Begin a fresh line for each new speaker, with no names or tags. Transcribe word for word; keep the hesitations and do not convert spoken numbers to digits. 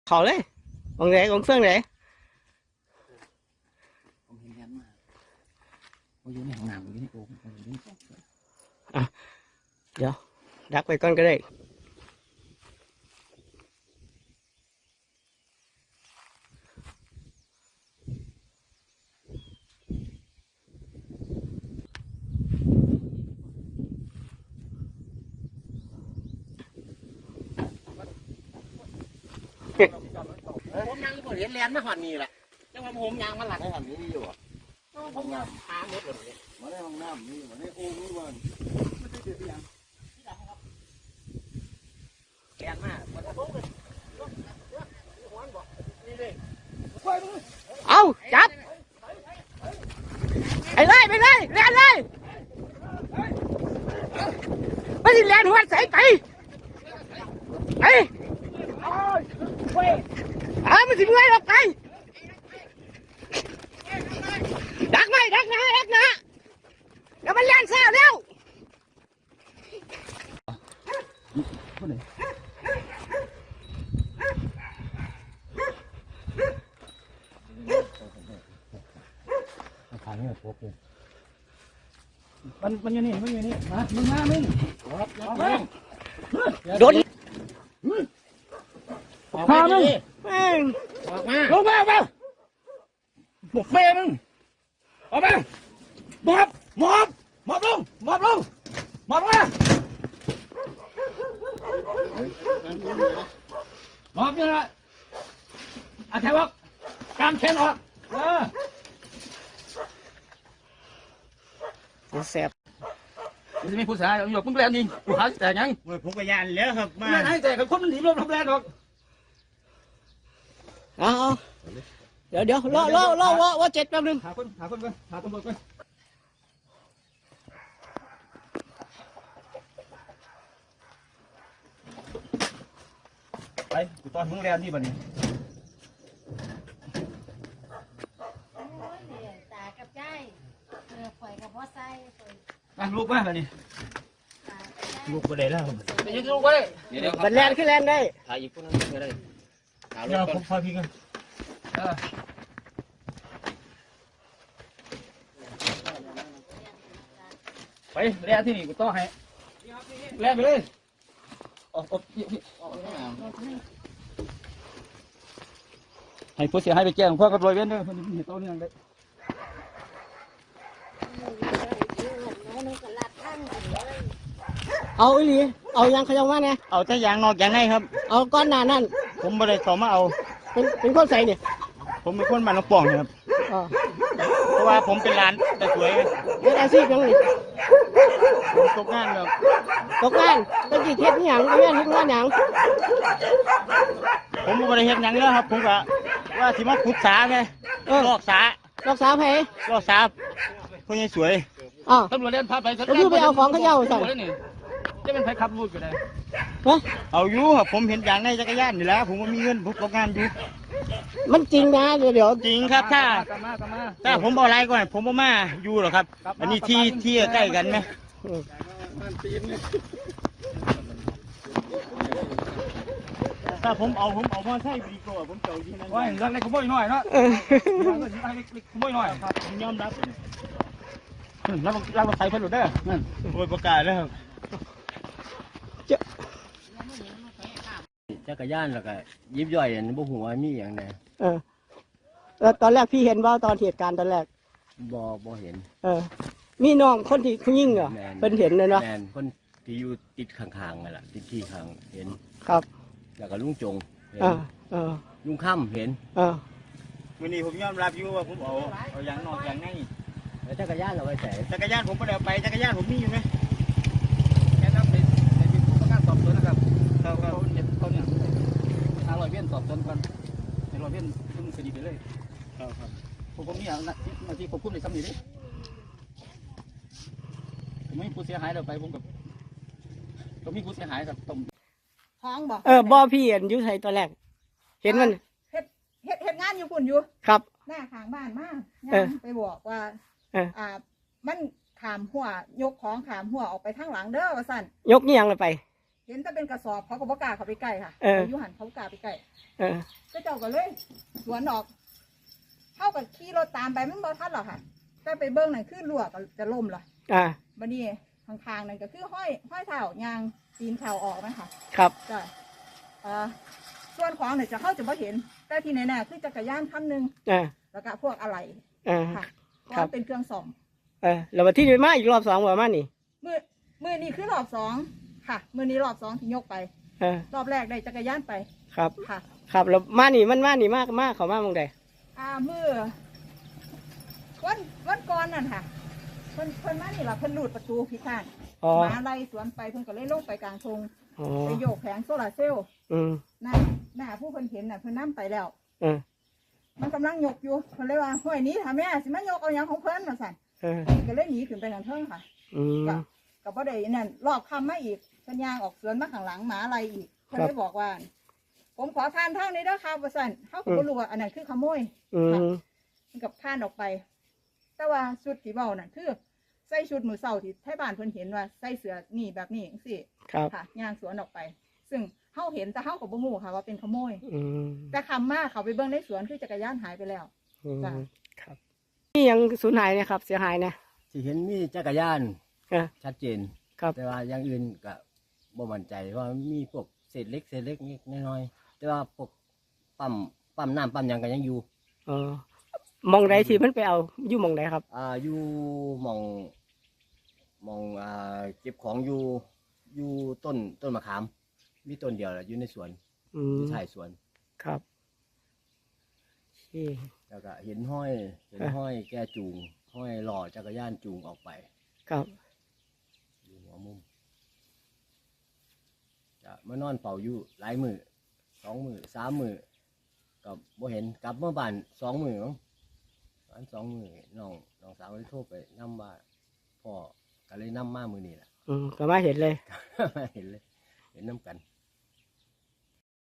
เขาเลยองไหนองเฟื่องไหน
ผมเห็นแอนมาเขาอยู่ในห้องน้ำอยู่ในโอ่งเขาอยู่ในห้อง
อ่ะเดี๋ยวดักไปก่อนก็ได้
ผมยังบ่เห็นแลนด์มาหอดนี่แหละจังว่าผมยังมาหลังให้หอดนี้อยู่อ่ะผมยังหาหมดเลยมาในห้องน้ำนี่มาในโอ่งนี่วันไม่ได้เจอที่ยังแลนด์มา
เอาจับไปเลยไปเลยแลนเลยไม่ได้แลนหัวใส่ไปไปอ่ามันสิเมื่อยหรอกไปดักไหมดักนะดักนะแล้วมันแลนซ่าเร็ว
มันมันอยู่นี่มันอยู่นี่มามึงมามึง
โดน
พามึง
แม่ง
ออกมาลงมามาบุกแม่มึงออกมาหมอบหมอบหมอบลงหมอบลงหมอบมาหมอบยังไงอาแถวออกกางแขนออกเอ
อแซ่บ
จะมีผู้ชายอยู่มึงแรงยิงกูหาแต่ยัง
ผมก็ยันแล้วครับมา
ไม่ให้แต่กับคนมันหนีลมทำแรงหรอก
เอาเดี๋ยวเดี๋ยวรอรอรอว่าว่าเจ็ดแป๊บนึง
หาคนหาคนก่อนหาตำรวจก่อนไปกูตอนมึงแรงนี่บ่นี่
ตากับใจเออข่อยกับพ่อไส้
อ่ะลูกมาบ่นี่
ลูกก็ได้แล้ว
ไปยืนลูกไว้
มันแลนขึ้นแลนได้
ถ่ายอีกคนนึงก็ได้ถ่ายรู
เดี๋ยว
ป
ผมพาพี่กัน
ไปแล่ที่นี่กูต่อให้แล่ไปเลยออกออกให้ผู้เสียหายไปแจ้งพ่อกับร้อยเวรเด้อคนนี้เห็นตัวนี้ยังได้
เอาอีหลีเอายังขยันว่าไง
เอาแต่ยางนอกยางในครับ
เอาก้อนหนานั่น
ผมไม่ได้ขอมาเอา
เป็นเป็นคนใส่เนี่ย
ผมเป็นคนบ้านน้องป่องครับเพราะว่าผมเป็นร้านแต่สวย
เป็นอาชีพยังไง
ผมตกงานครับ
ตกงานต้องกี่เทปนี่หยังก็แม่นเฮ็ดงานหยัง
ผมไม่ได้เฮ็ดหยังแล้วครับผมก็ว่าสิมาขุดสาไงลอกสา
ลอกสาไผ
ลอกสาคนนี้สวย
อ๋อ
ตำรวจเล่นพาไป
ก็คือไปเอาของเขาเย้าสั่ง
จะเป็นไผขับรถก็ได้
เอาอยู่ครับผมเห็นอย่างในจักรยานนี่แหละผมก็มีเงินผมตกงานอยู่
มันจริงนะเดี๋ยวเดี๋ยว
จริงครับถ้าถ้าผมเอาอะไรก่อนผมบ่มาอยู่หรอกครับอันนี้ที่ที่ใกล้กันไหมถ้าผมเอาผมเอามาใช้ดีกว่าผมเจ้าที่นั่น
ว่าเรื่องเล็กขโมยหน่อยเนาะขโมยหน่อย
ครับผมยอมรับ
แล้วเราใส่เพิ่นหลุดได้นั่น
โอ้ยประกาศแล้วครับ
จักรยานแล้วก็ยิบย่อยอันบ่ฮู้ว่ามีหยังแน่
เออแล้วตอนแรกพี่เห็นว่าตอนเหตุการณ์ตอนแรก
บ่บ่เห็น
เออมีน้องคนที่ผู้หญิงเหรอเพิ่นเห็นเลยเนาะ
แม่นคนที่อยู่ติดข้างๆนั่นล่ะติดที่ข้างเห็น
ครับ
แล้วก็ลุงจง
เห็นเออ
ลุงค่ำเห็น
เออ
วันนี้ผมยอมรับอยู่ว่าผมเอาเอาอย่างนอกอย่างใน
แล้วจักรยานเราไปใส่
จักรยานผมไม่ได้ไปจักรยานผมมีอยู่ไหม
แค่นั้นเป็นเป็นประกันสอบสวนนะครับเขาเขาเห็นเขาเนี่ยทางร้อยเวียนสอบสวนกันในร้อยเวียนซึ่งคดีไปเลย
ครับครับ
ผมผมนี่อ่ะนาทีควบคุมในสำนีดิผมไม่ผู้เสียหายเราไปผมกับผมมีผู้เสียหายกับตม
ท้องบอก
เออบ่พี่เห็นอยู่ไทยตอนแรกเห็นมัน
เฮ็ดเฮ็ดเฮ็ดงานอยู่ฝุ่นอยู่
ครับ
หน้าข้างบ้านมากไปบอกว่าอ่ามันขามหัวยกของขามหัวออกไปทางหลังเด้อว่าสั่น
ยกนี่ยังเลยไป
เห็นแต่เป็นกระสอบเขาก็บ่กล้าเข้าไปใกล้ค่ะ
เออ
อยุหันเขาบ่กล้าไปใกล้
เออ
ก็เจ้าก็เลยสวนออกเข้ากับขี่รถตามไปมันบ่ทันหรอกค่ะแต่ไปเบิ้งนั่นคือรั่วก็จะล่มละ
อ่า
บัดนี้ข้างๆนั่นก็คือห้อยห้อยเท้ายางตีนเท้าออกนะคะ
ครับ
จ้ะอ่าส่วนของเนี่ยจะเข้าจะบ่เห็น แต่ที่แน่ๆคือจักรยานคันหนึง
อ่า
แล้วก็พวกอะไร
อ่า
ค่ะเพราะ
ครับ
ว่าเป็นเครื่องซ่อม
เออแล้ววันที่ไปมาอีกรอบสองว่ามานี่
มือมือนี้คือรอบสองค่ะมือนี้รอบสองที่ยกไป
เออ
รอบแรกได้จักรยานไป
ครับ
ค่ะ
ครับแล้วมานี่มันมานี่มากมากเขามาเมืองใด
อ่ามือวันวันก่อนนั่นค่ะเพิ่นเพิ่นมานี่ล่ะเพิ่นรูดประตูพิการ
อ๋อ
หมาไล่สวนไปเพิ่นก็เลยลงไปกลางทง
อ๋อ
ไปโยกแผงโซลาร์เซลล์
อืม
หน้าหน้าผู้เพิ่นเห็นน่ะเพิ่นนํไปแล้ว
เออ
มันกำลังยกอยู่เพิ่นเลยว่าห้วยนี้ถ้าแม่สิมายกเอาหยังของเพิ่นมาสั่น
เออ
ก็เลยหนีขึ้นไปทางเทิงค่ะ
อืม
ก็ก็บ่ได้นั่นรอบค่ำมาอีกเพิ่นย่างออกสวนมาข้างหลังหมาไล่อีกเพิ่นเลยบอกว่า ผมขอทานทางนี้เด้อครับว่าสั่นเฮาก็บ่รู้ว่าอันนั้นคือขโมย
อืม
มันกับผ่านออกไป แต่ว่าชุดที่เบานั่นคือใส่ชุดมือเสาที่ไทบ้านเพิ่นเห็นว่าใส่เสื้อนี่แบบนี้จังซี่
ครับ
ค่ะย่างสวนออกไป ซึ่งเฮาเห็นแต่เฮาก็บ่ฮู้ค่ะว่าเป็นขโมย
อืม
แต่คำมาเขาไปเบิ่งในสวนคือจักรยานหายไปแล้ว
อืม
จ้ะ
ครับนี่ยังสูญหายเนะครับ เสียหายนะ
ที่เห็นมีจักรยาน
เออ
ชัดเจน
ครับ
แต่ว่าอย่างอื่นก็บ่มั่นใจว่ามีพวกเศษเล็กเศษเล็กนิดน้อยๆแต่ว่าพวกปั๊มปั๊มน้ำปั๊มหยังก็ยังอยู่
เออมองใดที่มันไปเอาอยู่มองใดครับ
อ่าอยู่หมองหมองอ่าเก็บของอยู่อยู่ต้นต้นมะขาม มีต้นเดียวแหละอยู่ในสวน
อื
อ
ม
ยู่ท้ายสวน
ครับโอเค
แล้วก็เห็นห้อยเห็นห้อยแกจูง ห้อยหล่อจักรยานจูงออกไป
ครับ
อยู่หัวมุมจะมานอนเฝ้าอยู่หลายมือสองมือสามมือกับบ่เห็นกลับเมื่อบ้านสองมือมั้งบ้านสองมือน้องน้องสาวเลยโทรไปนำว่าพ่อก็เลยนำมามือนี่แหละ
อืมก็มาเห็นเลย
เห็นเลย เห็นน้ำกัน